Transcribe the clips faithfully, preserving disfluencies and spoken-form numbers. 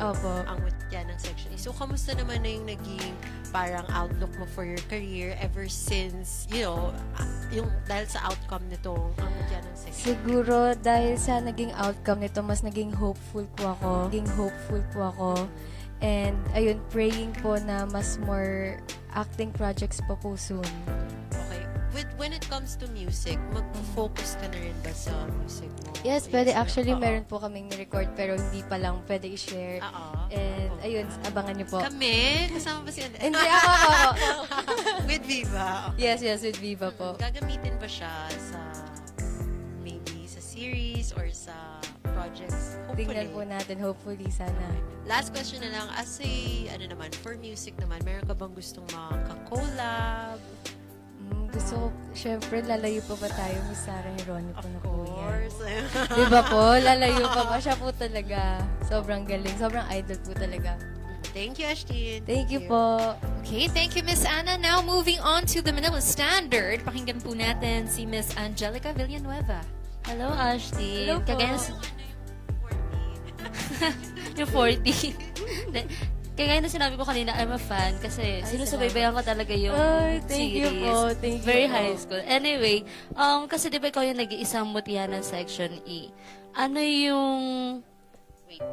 Opo. ang mutya ng Section E. So, kamusta naman na yung naging parang outlook mo for your career ever since, you know, ah, yung dahil sa outcome nitong ang mutya ng Section E? Siguro dahil sa naging outcome nito, mas naging hopeful po ako. Naging hopeful po ako. And ayun, praying po na mas more acting projects pa po soon. Okay. With, when it comes to music, mag-focus ka na rin ba sa music mo? Yes, pwede. Actually, Oo. meron po kaming ni-record pero hindi pa lang pwede i-share. Oo. And Oo. ayun, abangan niyo po. Kami? Kasama ba si Andres? Hindi ako, ako, ako. With Viva. Okay. Yes, yes, with Viva po. Gagamitin ba siya sa maybe sa series or sa projects? Hopefully. Tingnan po natin, hopefully, sana. Last question na lang. As a, ano naman, for music naman, meron ka bang gustong makaka-collab? Mm, gusto ko, syempre, lalayo pa ba tayo, Miss Sarah Geronimo po na Of po yan. course. Di ba po? Lalayo pa ba? Siya po talaga. Sobrang galing. Sobrang idol po talaga. Thank you, Ashtin. Thank you po. Okay, thank you, Miss Anna. Now, moving on to the Manila Standard. Pakinggan po natin si Miss Angelica Villanueva. Hello, Ashley. Hello po. Kagaya s- yung forty. Kaya na sinabi ko kanina, I'm a fan kasi sinusubaybayan ko talaga yung Ay, thank you series. po. Thank you Very po. high school. Anyway, um, kasi di ba ikaw yung nag-iisang mutya ng Section E? Ano yung... Wait.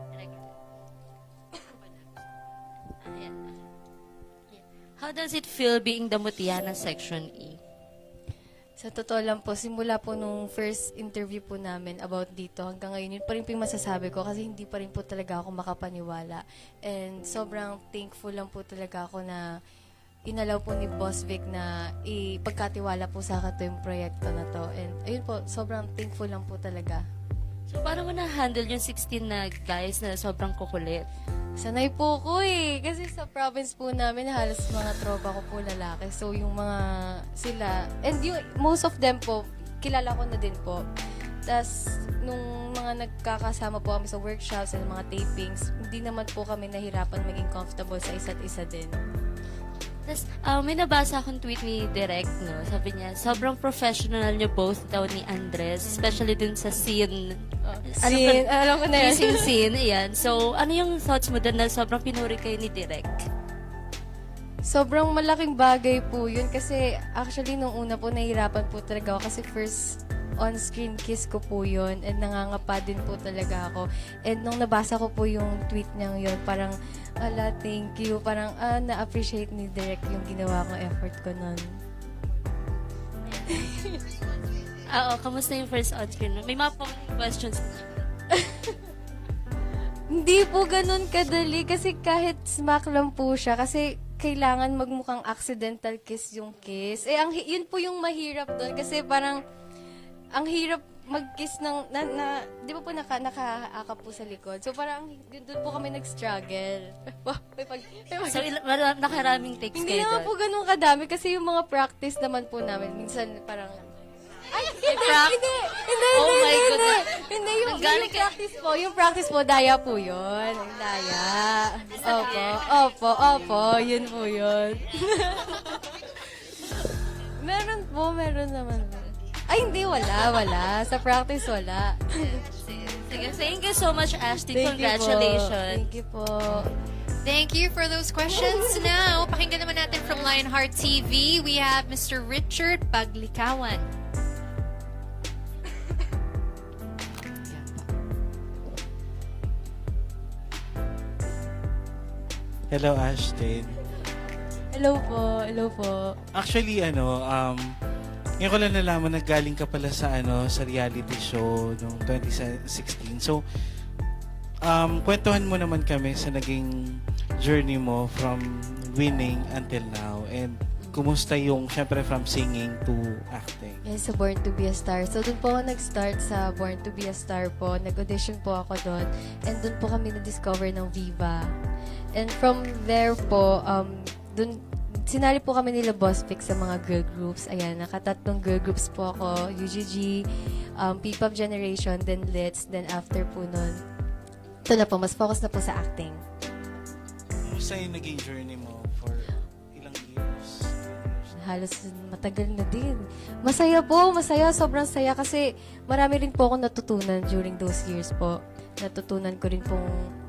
Ayan. How does it feel being the mutya ng Section E? Sa totoo lang po, simula po nung first interview po namin about dito, hanggang ngayon, yun pa rin po yung masasabi ko kasi hindi pa rin po talaga ako makapaniwala. And sobrang thankful lang po talaga ako na inalaw po ni Boss Vic na ipagkatiwala po sa akin to yung proyekto na to. And ayun po, sobrang thankful lang po talaga. So, paano mo na-handle yung sixteen na guys na sobrang kukulit? Sanay po ko eh. Kasi sa province po namin, halos mga tropa ko po lalaki. So, yung mga sila, and yung, most of them po, kilala ko na din po. Tapos, nung mga nagkakasama po kami sa workshops and mga tapings, hindi naman po kami nahirapan maging comfortable sa isa't isa din. Tapos, uh, may nabasa akong tweet ni Direk, no? Sabi niya, sobrang professional niyo both daw ni Andres, especially dun sa scene. Ano Scene, ba- alam ko na yan. Kissing scene, ayan. So, ano yung thoughts mo dun na sobrang pinuri kayo ni Direk? Sobrang malaking bagay po yun kasi actually nung una po nahihirapan po talaga ako kasi first on-screen kiss ko po yun and nangangapa din po talaga ako. And nung nabasa ko po yung tweet niyang yun, parang, ala, thank you. Parang, ah, na-appreciate ni Direk yung ginawa kong effort ko nun. Oo, kamusta yung first on-screen? May mga pang questions. Hindi po ganun kadali kasi kahit smack lang po siya kasi kailangan magmukhang accidental kiss yung kiss. Eh, ang, hi- yun po yung mahirap doon kasi parang ang hirap mag-kiss ng, na, na, di ba po naka, nakaakap po sa likod? So parang yun, doon po kami nag-struggle. Wow, may pag, may pag- So, il- mara- nakaraming takes hindi kayo naman doon. po ganun kadami kasi yung mga practice naman po namin, minsan parang, ay, hindi, prac- hindi, hindi, Oh hindi, my hindi, goodness. hindi, yung, Nanggaling yung ka- practice po, yung practice po, daya po yun, yung daya. Opo, opo, opo, yun po yun. Meron po, meron naman po. Ay, hindi, wala, wala. Sa practice, wala. Sige, thank you so much, Ashley. Thank you po. Congratulations. Thank you po. Thank you for those questions. Now, pakinggan naman natin from Lionheart T V, we have Mister Richard Paglikawan. Hello, Ashton. Hello po, hello po. Actually, ano, um, ngayon ko lang nalaman na galing ka pala sa, ano, sa reality show noong twenty sixteen. So, um, kwentuhan mo naman kami sa naging journey mo from winning until now. And kumusta yung, syempre, from singing to acting? Yes, sa Born to be a Star. So, doon po ako nag-start sa Born to be a Star po. Nag-audition po ako doon. And doon po kami na-discover ng Viva. And from there po, um, doon, sinali po kami nila Boss Vic sa mga girl groups. Ayan, nakatatlong girl groups po ako. U G G, um, P-pop Generation, then Litz, then after po nun. Ito na po, mas focus na po sa acting. Kumusta yung naging journey mo for ilang years? Halos matagal na din. Masaya po, masaya, sobrang saya kasi marami rin po akong natutunan during those years po. Natutunan ko rin pong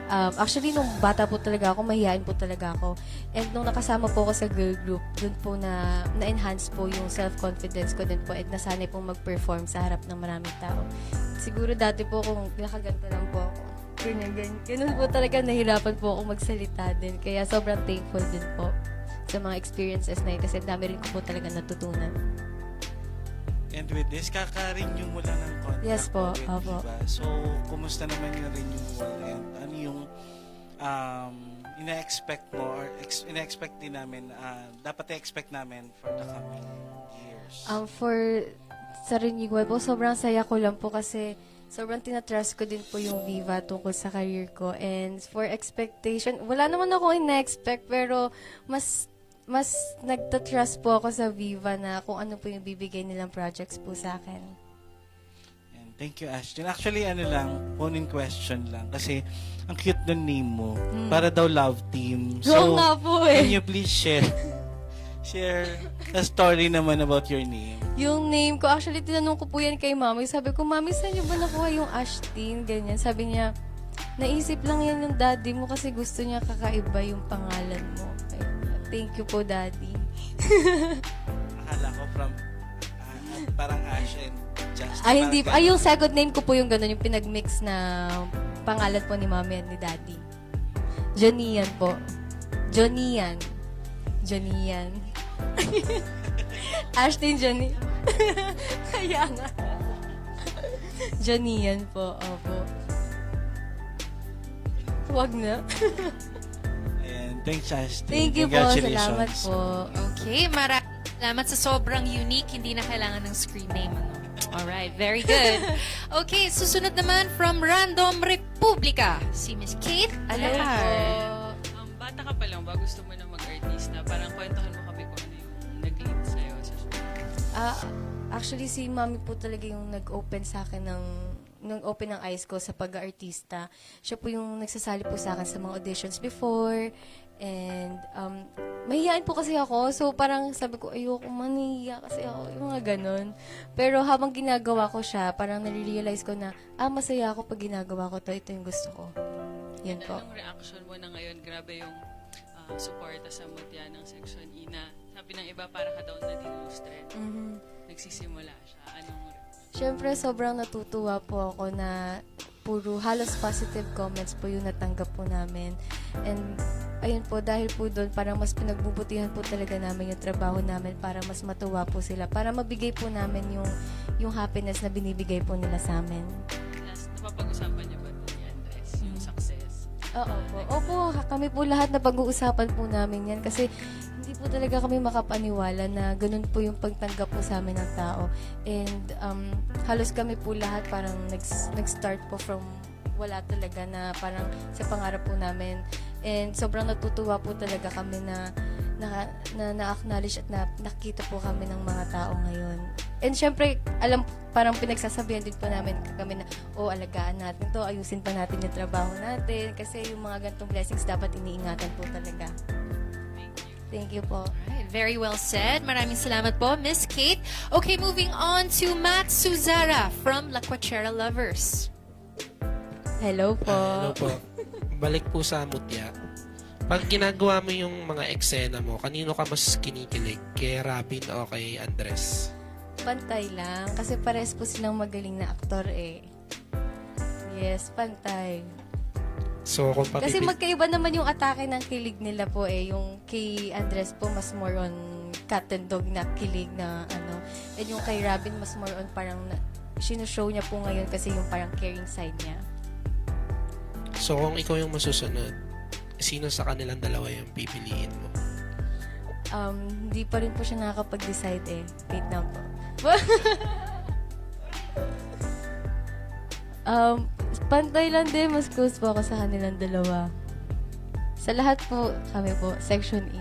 Um, actually, nung bata po talaga ako, mahihain po talaga ako. And nung nakasama po ako sa girl group, dun po na, na-enhance po yung self-confidence ko din po at nasanay pong mag-perform sa harap ng maraming tao. Siguro dati po kung nakaganto lang po ako. Ganyan, ganyan. Ganun po talaga, nahirapan po ako magsalita din. Kaya sobrang thankful din po sa mga experiences na yun kasi dami rin ko po talaga natutunan. And with this, kaka-renew mo lang ng contract Yes po, mo with opo. Viva. So, kumusta naman yung renewal and ano yung um, ina-expect mo or ex- ina-expect din namin, uh, dapat i-expect namin for the coming years? Um, for sa renewal po, sobrang saya ko lang po kasi sobrang tinatrust ko din po yung Viva tungkol sa career ko. And for expectation, wala naman ako ina-expect pero mas mas nagtatrust po ako sa Viva na kung ano po yung bibigay nilang projects po sa akin. And thank you, Ashton. Actually, ano lang, phone in question lang. Kasi, ang cute ng name mo. Para daw love team. Oo nga po eh. can you please share share a story naman about your name? Yung name ko, actually, tinanong ko po yan kay Mami. Sabi ko, Mami, saan niyo ba nakuha yung Ashtin? Ganyan. Sabi niya, naisip lang yan ng daddy mo kasi gusto niya kakaiba yung pangalan mo. Ay, thank you po, daddy. Akala ko from ah, parang Ash and Justin. Ay, hindi. Parang Ay, yung second name ko po yung gano'n, yung pinag-mix na pangalan po ni Mami at ni Daddy. Jonian po. Jonian. Jonian. Ashton Johnny. Kaya nga. Jonian po. Opo. Huwag na. And thanks, Ashton. Thank you po. Salamat po. Okay, maraming salamat sa sobrang unique, hindi na kailangan ng screen name. Ano? Alright, very good. Okay, susunod naman from Random Republica, si Miss Kate Alahar. Um, bata ka pa lang ba? Gusto mo na mag-artista? Parang kwentuhan mo kami kung ano yung nag-lead sa'yo sa show. Ah, actually, si Mami po talaga yung nag-open sa akin ng nag-open ng eyes ko sa pag-artista. Siya po yung nagsasali po sa akin sa mga auditions before. And, um, mahihain po kasi ako. So, parang sabi ko, ayoko maniya kasi ako. Yung mga ganun. Pero habang ginagawa ko siya, parang nare-realize ko na, ah, masaya ako pag ginagawa ko to. Ito yung gusto ko. Yun po. Anong reaction mo na ngayon? Grabe yung uh, suporta sa Mutya ng Section E na sabi ng iba para ka daw na dilustre. Mhm. Nagsisimula siya. Anong Siyempre, sobrang natutuwa po ako na puro halos positive comments po yung natanggap po namin. And, ayun po, dahil po doon, parang mas pinagbubutihan po talaga namin yung trabaho namin para mas matuwa po sila. Para mabigay po namin yung, yung happiness na binibigay po nila sa amin. last, napapag-usapan niyo ba ito ni Andres? Yung success? Oo po. Opo, kami po lahat na pag-uusapan po namin yan kasi hindi po talaga kami makapaniwala na ganun po yung pagtanggap po sa amin ng tao. And um, halos kami po lahat parang nag- nag-start po from wala talaga na parang sa pangarap po namin. And sobrang natutuwa po talaga kami na na, na, na-acknowledge at na, nakita po kami ng mga tao ngayon. And syempre, alam, parang pinagsasabihan din po namin kami na, oh, alagaan natin to, ayusin pa natin yung trabaho natin. Kasi yung mga ganitong blessings dapat iniingatan po talaga. Thank you po. Alright, very well said. Maraming salamat po, Miss Kate. Okay, moving on to Matt Suzara from La Cuachera Lovers. Hello po. Ah, hello po. Balik po sa Mutya. Pag ginagawa mo yung mga eksena mo, kanino ka mas kinikilig? Kay Robin o kay Andres? Pantay lang. Kasi pares po silang magaling na aktor eh. Yes, pantay. So, kung Kasi papipil... magkaiba naman yung atake ng kilig nila po eh. Yung kay Andres po, mas more on cat and dog na kilig na ano. And yung kay Robin, mas more on parang na, sinushow niya po ngayon kasi yung parang caring side niya. So, kung ikaw yung masusunod, sino sa kanilang dalawa yung pipiliin mo? Um, hindi pa rin po siya nakakapag-decide eh. Wait na po. um, pantay lang din. Mas close po ako sa kanilang dalawa. Sa lahat po, kami po, Section E.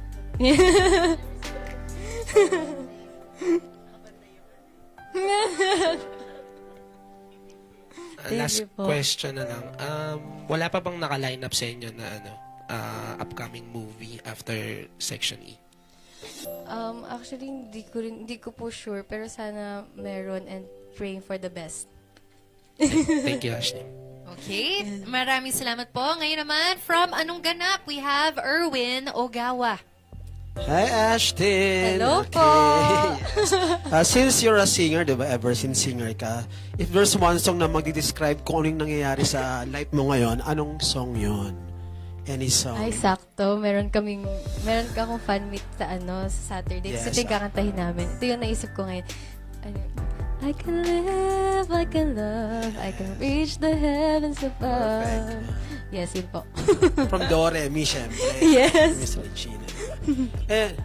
Uh, Thank last you po. question na lang. Um, wala pa bang naka-line up sa inyo na ano, uh, upcoming movie after Section E? Um, actually, hindi ko, rin, hindi ko po sure. Pero sana meron and praying for the best. Thank you, Ashley. Okay, maraming salamat po. Ngayon naman, from Anong Ganap, we have Erwin Ogawa. Hi, Ashton! Hello po. Yes. Uh, since you're a singer, di ba, ever since singer ka, if there's one song na magdi-describe kung ano yung nangyayari sa life mo ngayon, anong song yon? Any song? Ay, sakto. Meron kaming, meron ka akong fan meet sa ano, sa Saturday. Yes, Yes, ito yung kakantahin namin. Ito yung naisip ko ngayon. Ano, I can live, I can love, I can reach the heavens above. Perfect. Yes, yun po. From Dore, mi, syempre. Yes. Miss Regina. Eh,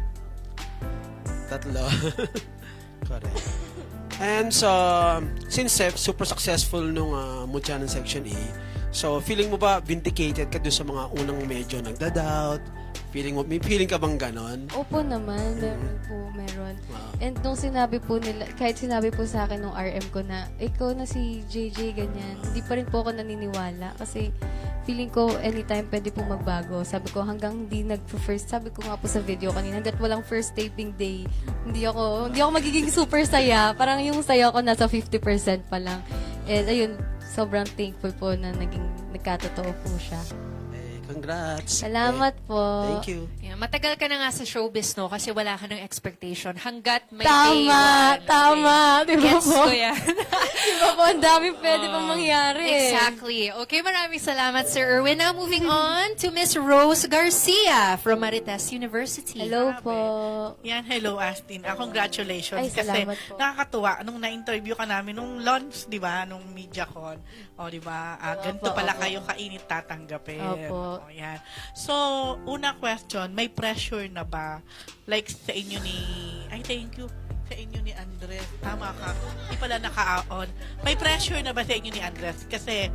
tatlo. Correct. And so, since eh, super successful nung uh, Mutya ng Section E, so feeling mo ba vindicated ka doon sa mga unang medyo nagda-doubt? Feeling mo, may feeling ka bang ganon? Opo naman, meron po, meron. Wow. And nung sinabi po nila, kahit sinabi po sa akin nung R M ko na, ikaw na si J J, ganyan, hindi pa rin po ako naniniwala kasi feeling ko anytime pwede po magbago. Sabi ko hanggang hindi nag-first, sabi ko nga po sa video kanina, hanggat walang first taping day, hindi ako, hindi ako magiging super saya. Parang yung saya ko nasa fifty percent pa lang. And ayun, sobrang thankful po na naging nagkatotoo po siya. Eh, congrats. Salamat po. Eh, thank you. Yeah, matagal ka na nga sa showbiz, no? Kasi wala ka ng expectation. Hanggat may day Tama, one. tama. Di ba Gets po? ko yan. Di ba po, ang dami pwede pang mangyari. Exactly. Okay, maraming salamat, Sir Erwin. Now, moving on to Miss Rose Garcia from Marites University. Hello po. Yan, hello Astin. Ah, congratulations. Ay, kasi salamat po. nakakatuwa nung na-interview ka namin nung launch, di ba, nung MediaCon. O, di ba, ah, ganito Opo, pala opo. kayo kainit tatanggapin. Opo. O, yan. So, una question, may pressure na ba? Like sa inyo ni, ay thank you, sa inyo ni Andres. Tama ka. Hindi pala naka-on. May pressure na ba sa inyo ni Andres? Kasi,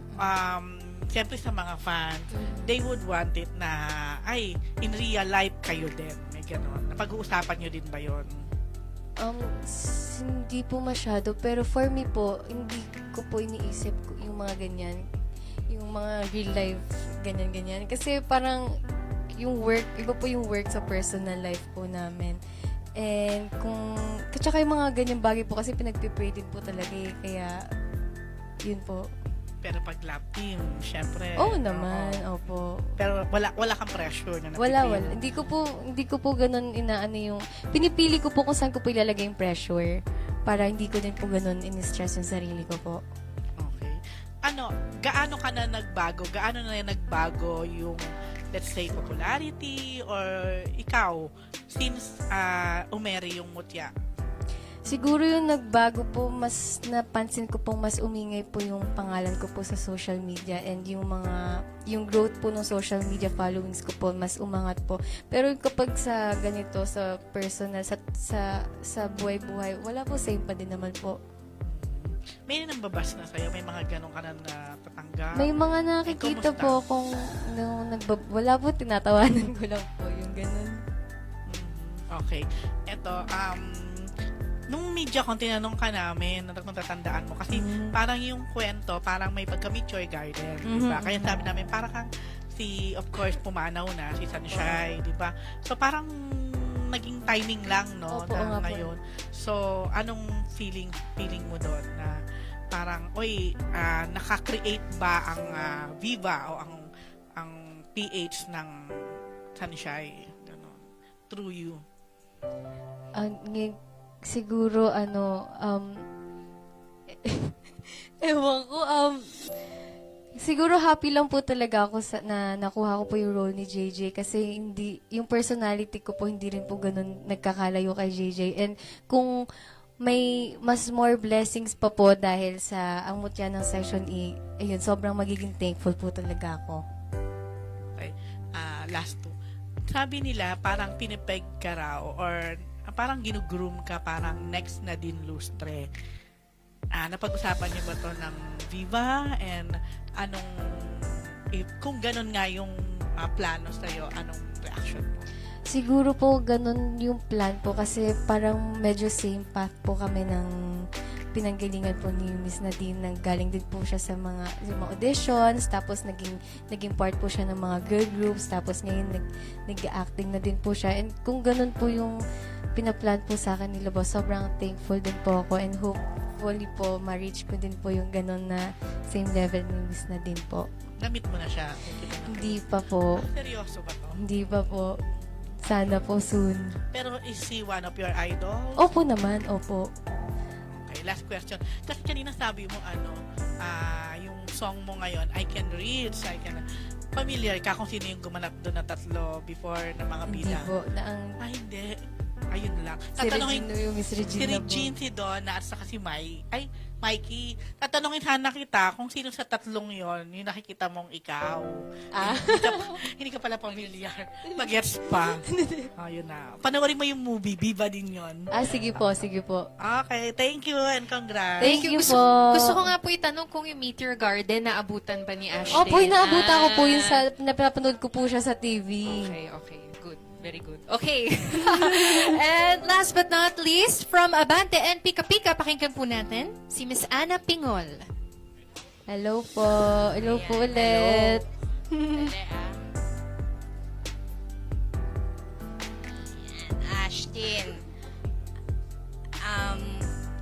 um, siyempre sa mga fans, they would want it na, ay, in real life kayo din. May ganon. Napag-uusapan nyo din ba yon? Um, s- hindi po masyado, pero for me po, hindi ko po iniisip ko yung mga ganyan. Yung mga real life, ganyan-ganyan. Kasi parang, yung work, iba po yung work sa personal life po namin. And kung, katsaka yung mga ganyang bagay po kasi pinagpipray din po talaga eh. Kaya, yun po. Pero pag love team, syempre. Oo naman, oo. opo. Pero wala wala kang pressure na Wala, napipili wala. mo. Hindi ko po, hindi ko po ganun inaano yung, pinipili ko po kung saan ko po ilalagay yung pressure para hindi ko din po ganun in-stress yung sarili ko po. Okay. Ano, gaano ka na nagbago? Gaano na nagbago yung, let's say, popularity or ikaw since uh, umeri yung Mutya? Siguro yung nagbago po, mas napansin ko pong mas umingay po yung pangalan ko po sa social media and yung mga, yung growth po ng social media followings ko po, mas umangat po. Pero kapag sa ganito, sa personal, sa, sa, sa buhay-buhay, wala po, same pa din naman po. May nambabas na sa'yo? May mga ganong ka na natatanggap? May mga nakikita kumusta? po kung nung nagbab... Wala po, tinatawanan ko lang po yung ganun. Mhm. Okay. Eto, um, nung media kung tinanong ka namin, kung tatandaan mo, kasi Mhm. parang yung kwento, parang may pagka-Meteor Garden, di ba? Mhm, Kaya mhm. sabi namin, parang kang si, of course, pumanaw na, si Sunshine, di ba? So, parang naging timing lang, no, Opo, nga na po. ngayon. So, anong feeling feeling mo doon na parang, oy, ah, nakakreate ba ang ah, Viva o ang ang P H ng Sunshine, gano'n, through you? Ang ng- siguro ano um ewan ko um siguro happy lang po talaga ako sa, na nakuha ko po yung role ni J J kasi hindi yung personality ko po hindi rin po ganun nagkakalayo kay J J and kung may mas more blessings pa po dahil sa ang mutya ng Section E, ayun, sobrang magiging thankful po talaga ako. Okay. Ah, last two. Sabi nila, parang pinipeg ka raw or ah, parang ginugroom ka, parang next na din lustre. Ah, napag-usapan niyo ba to ng Viva and anong, if, kung ganun nga yung ah, plano sa'yo, anong reaction mo? Siguro po ganun yung plan po kasi parang medyo same path po kami ng pinanggalingan po ni Miss Nadine nang galing din po siya sa mga, sa mga auditions tapos naging naging part po siya ng mga girl groups tapos ngayon nag, nag-acting na din po siya and kung ganun po yung pinaplan po sa akin nila boss sobrang thankful din po ako and hope hopefully po, ma-reach ko din po yung ganun na same level ni Miss na din po. Na-meet mo na siya. Okay ba na? Hindi pa po. Seryoso ba to? Hindi pa po. Sana po soon. Pero is he one of your idols? Opo naman, opo. Okay, last question. Kasi kanina sabi mo, ano, ah, yung song mo ngayon, I Can Reach, I Can... Familiar ka kung sino yung gumanap doon na tatlo before na mga Hindi bida? po. Na ang, Ay, hindi. Ayun lang. si Regina, yung Miss si Regina po. Regine, si Donna, at saka si Mai. Ay, Mikey, tatanungin sana kita kung sino sa tatlong yon yung nakikita mong ikaw. Ah. hindi, ka, pa- hindi ka pala familiar. Mag-gets pa. Ayun na. Panoorin mo yung movie, Viva din yon. Ah, sige po, sige po. Okay, thank you and congrats. Thank you gusto, po. Gusto ko nga po itanong kung yung Meteor Garden naabutan ba ni Ashley? Opo, inaabutan ko po yun Ah. sa, napapanood ko po siya sa T V. Okay, okay. Good. Very good. Okay. And last but not least, from Abante and Pika Pika, pakinggan po natin si Miss Ana Pingol. Hello po. Hello po Ayan, ulit. Ashtin, um,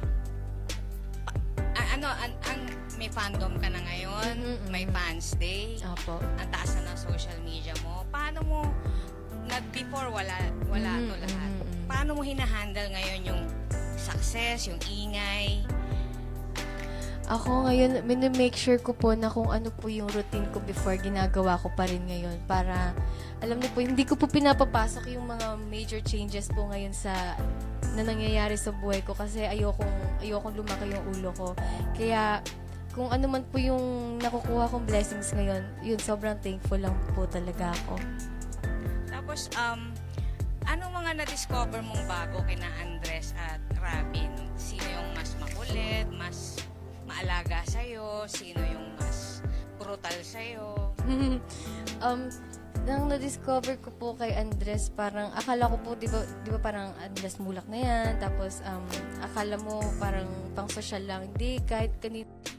a- ano, an, ang, may fandom ka na ngayon, Mm-mm-mm. may fans day, Opo. ang taas na ng social media mo. Paano mo, nag before wala, wala to Mm, lahat. mm, mm. Paano mo hinahandle ngayon yung success, yung ingay? Ako ngayon, minimake sure ko po na kung ano po yung routine ko before, ginagawa ko pa rin ngayon. Para, alam niyo po, hindi ko po pinapapasok yung mga major changes po ngayon sa na nangyayari sa buhay ko kasi ayokong, ayokong lumaki yung ulo ko. Kaya, kung ano man po yung nakukuha kong blessings ngayon, yun, sobrang thankful lang po talaga ako. Tapos, um, anong mga na-discover mong bago kina Andres at Robin? Sino yung mas makulit, mas maalaga sa'yo? Sino yung mas brutal sa'yo? um, nang na-discover ko po kay Andres, parang akala ko po, di ba, di ba parang Andres mulak na yan, tapos um, akala mo parang pang social lang. Hindi, kahit kanito,